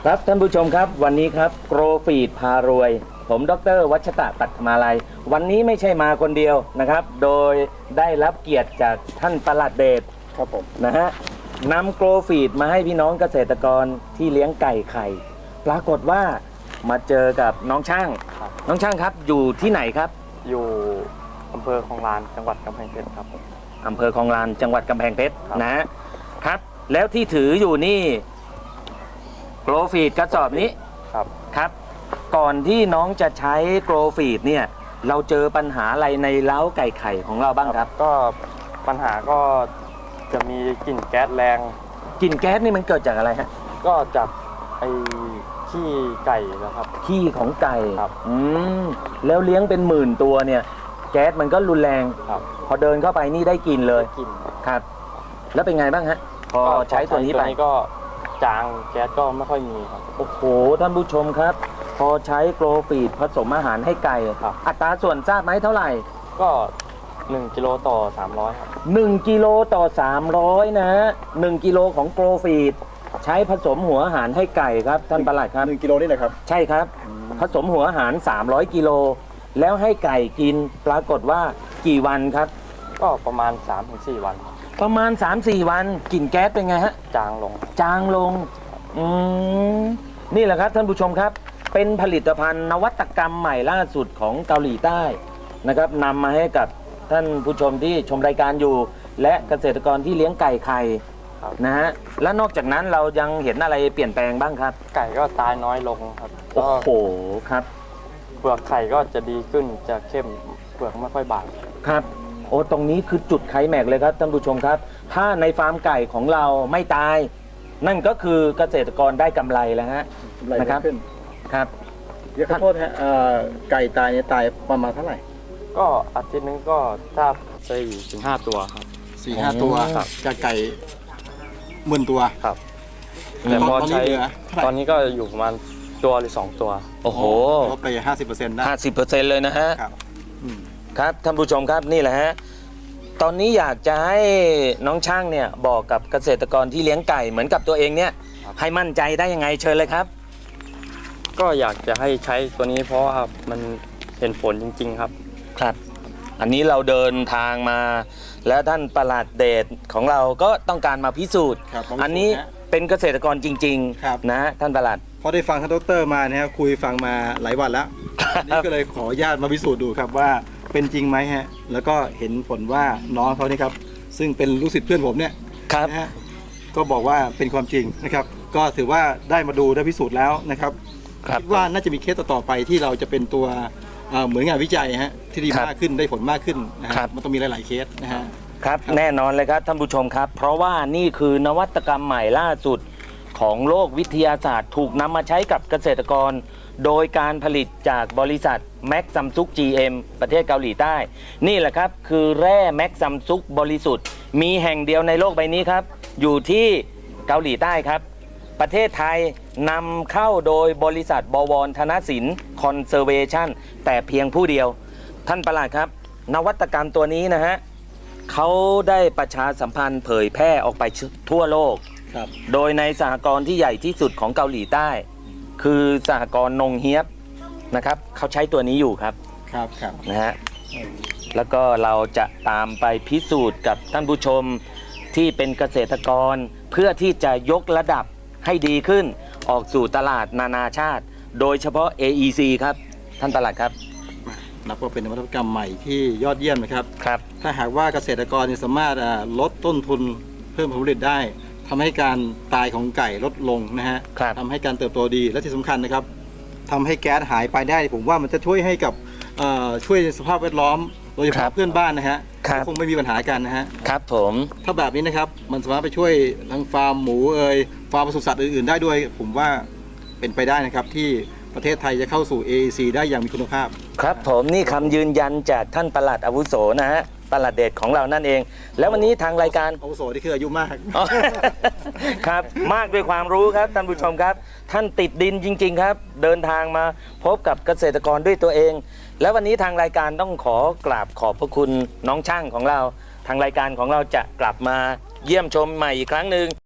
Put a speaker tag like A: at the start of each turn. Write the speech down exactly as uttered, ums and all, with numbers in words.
A: ครับท่านผู้ชมครับวันนี้ครับโกรฟีดพารวยผมดร.วัชตะปัทมาลัยวันนี้ไม่ใช่มาคนเดียวนะครับโดยได้รับเกียรติจากท่านปลัดเดชครับผมนะฮะนำโกรฟีดมาให้พี่น้องเกษตรกรที่เลี้ยงไก่ไข่ปรากฏว่ามาเจอกับน้องช่างน้องช่างครับอยู่ที่ไหนครับ
B: อยู่อำเภอคลองลานจังหวัดกำแพงเพชรครับผม
A: อำเภอคลองลานจังหวัดกำแพงเพชรนะครับแล้วที่ถืออยู่นี่โกรฟีดกระสอบนี้
B: ครับ
A: ครับก่อนที่น้องจะใช้โกรฟีดเนี่ยเราเจอปัญหาอะไรในเล้าไก่ไข่ของเราบ้างครับ
B: ก็ปัญหาก็จะมีกลิ่นแก๊สแรง
A: กลิ่นแก๊สนี่มันเกิดจากอะไรฮะ
B: ก็จากไอ้ขี้ไก่นะครับ
A: ขี้ของไก่
B: ครับ
A: อืมแล้วเลี้ยงเป็นหมื่นตัวเนี่ยแก๊สมันก็รุนแรง
B: ครับ
A: พอเดินเข้าไปนี่ได้กลิ่นเลย
B: กลิ่น
A: ครับแล้วเป็นไงบ้างฮะพอใช้ตัวนี้ไป
B: ก็จางแก๊สก็ไม่ค่อยมีครับ
A: โอ้โหท่านผู้ชมครับพอใช้โกรฟีดผสมอาหารให้ไก่อัตราส่วนทราบไหมเท่าไหร่
B: ก็หนึ่งกิโลต่อสามร้อยครับ
A: หนึ่งกิโลต่อสามร้อยนะฮะหนึ่งกิโลของโกรฟีดใช้ผสมหัวอาหารให้ไก่ครับท่านปลัดครับ
C: หนึ่งกิโลนี่แหละครับ
A: ใช่ครับผสมหัวอาหารสามร้อยกิโลแล้วให้ไก่กินปรากฏว่ากี่วันครับ
B: ก็ประมาณ สามถึงสี่ วัน
A: ประมาณ สามถึงสี่ วันกลิ่นแก๊สเป็นไงฮะ
B: จางลง
A: จางลงอืมนี่แหละครับท่านผู้ชมครับเป็นผลิตภัณฑ์นวัตกรรมใหม่ล่าสุดของเกาหลีใต้นะครับนำมาให้กับท่านผู้ชมที่ชมรายการอยู่และเกษตรกรที่เลี้ยงไก่ไข่นะฮะและนอกจากนั้นเรายังเห็นอะไรเปลี่ยนแปลงบ้างครับ
B: ไก่ก็ตายน้อยลงครับ
A: โอ้โหครับ
B: เปลือกไข่ก็จะดีขึ้นจะเข้มเปลือกไม่ค่อยบาง
A: ครับโอ้ตรงนี้คือจุดไคลแม็กซ์เลยครับท่านผู้ชมครับถ้าในฟาร์มไก่ของเราไม่ตายนั่นก็คือเกษตรกรได้กำไรแล้วฮะ
C: นะครับ
A: ครับ
C: เดี๋ยวขอโทษฮะไก่ตายเนี่ยตายประมาณเท่าไหร่
B: ก็อาทิตย์นึงก็ถ้าสี่ถึงห้าตัวครับ
C: สี่ห้าตัวจากไก่หมื่นตัว
B: ครับแต่พอใช้ตอนนี้ก็อยู่ประมาณตัวหรือสองตัว
A: โอ้โห
C: ลดไปห้าสิบเปอร์เซ็นต์ได้
A: ห้าสิบเปอร์เซ็นต์เลยนะฮะ
C: ครับ
A: ครับท่านผู้ชมครับนี่แหละฮะตอนนี้อยากจะให้น้องช่างเนี่ยบอกกับเกษตรกรที่เลี้ยงไก่เหมือนกับตัวเองเนี่ยให้มั่นใจได้ยังไงเชิญเลยครับ
B: ก็อยากจะให้ใช้ตัวนี้เพราะว่ามันเห็นผลจริงๆครับ
A: ครับอันนี้เราเดินทางมาและท่านปลัดเดชของเราก็ต้องการมาพิสูจน์อันนี้เป็นเกษตรกรจริงๆนะท่านปลัด
C: พอได้ฟังท่านดร.มานะครับคุยฟังมาหลายวันแล้วนี่ก็เลยขออนุญาตมาพิสูจน์ดูครับว่าเป็นจริงไหมฮะแล้วก็เห็นผลว่าน้องเขานี่ครับซึ่งเป็นลูกศิษย์เพื่อนผมเนี่ยนะฮะก็บอกว่าเป็นความจริงนะครับก็ถือว่าได้มาดูได้พิสูจน์แล้วนะครับคิดว่าน่าจะมีเคสต่อไปที่เราจะเป็นตัวเหมือนงานวิจัยฮะที่ดีมากขึ้นได้ผลมากขึ้นนะครับมันต้องมีหลายๆเคสนะฮะ
A: ครับแน่นอนเลยครับท่านผู้ชมครับเพราะว่านี่คือนวัตกรรมใหม่ล่าสุดของโลกวิทยาศาสตร์ถูกนำมาใช้กับเกษตรกรโดยการผลิตจากบริษัทแม็กซัมซุก จี เอ็ม ประเทศเกาหลีใต้นี่แหละครับคือแร่แม็กซัมซุกบริสุทธิ์มีแห่งเดียวในโลกใบนี้ครับอยู่ที่เกาหลีใต้ครับประเทศไทยนำเข้าโดยบริษัทบวรธนสินคอนเซอร์เวชั่นแต่เพียงผู้เดียวท่านปลัดครับนวัตกรรมตัวนี้นะฮะเขาได้ประชาสัมพันธ์เผยแพร่ออกไปทั่วโลกโดยในสหกรณ์ที่ใหญ่ที่สุดของเกาหลีใต้คือสหกรณ์นงเฮียบนะครับเขาใช้ตัวนี้อยู่ครับ
C: ครับครับ
A: นะฮะแล้วก็เราจะตามไปพิสูจน์กับท่านผู้ชมที่เป็นเกษตรกรเพื่อที่จะยกระดับให้ดีขึ้นออกสู่ตลาดนานาชาติโดยเฉพาะ เอ อี ซี ครับท่านปลัดครับ
C: นับว่าเป็นนวัตกรรมใหม่ที่ยอดเยี่ยมนะครับ
A: ครับ
C: ถ้าหากว่าเกษตรกรสามารถลดต้นทุนเพิ่มผลผลิตได้ทำให้การตายของไก่ลดลงนะฮะทำให้การเติบโตดีและที่สำคัญนะครับทำให้แก๊สหายไปได้ผมว่ามันจะช่วยให้กับช่วยสภาพแวดล้อมโดยเฉพาะเพื่อนบ้านนะฮะคงไม่มีปัญหากันนะฮะ
A: ครับผม
C: ถ้าแบบนี้นะครับมันสามารถไปช่วยทั้งฟาร์มหมูเอ่ยฟาร์มปศุสัตว์อื่นๆได้ด้วยผมว่าเป็นไปได้นะครับที่ประเทศไทยจะเข้าสู่ เอ อี ซี ได้อย่างมีคุณภาพ
A: ครับผมนี่คำยืนยันจากท่านปลัดอาวุโสนะฮะปลัดเดชของเรานั่นเองแล้ววันนี้ทางรายการ
C: อาวุโสที่คืออายุมาก
A: ครับมากด้วยความรู้ครับท่านผู้ชมครับท่านติดดินจริงๆครับเดินทางมาพบกับเกษตรกรด้วยตัวเองแล้ววันนี้ทางรายการต้องขอกราบขอบพระคุณน้องช่างของเราทางรายการของเราจะกลับมาเยี่ยมชมใหม่อีกครั้งหนึ่ง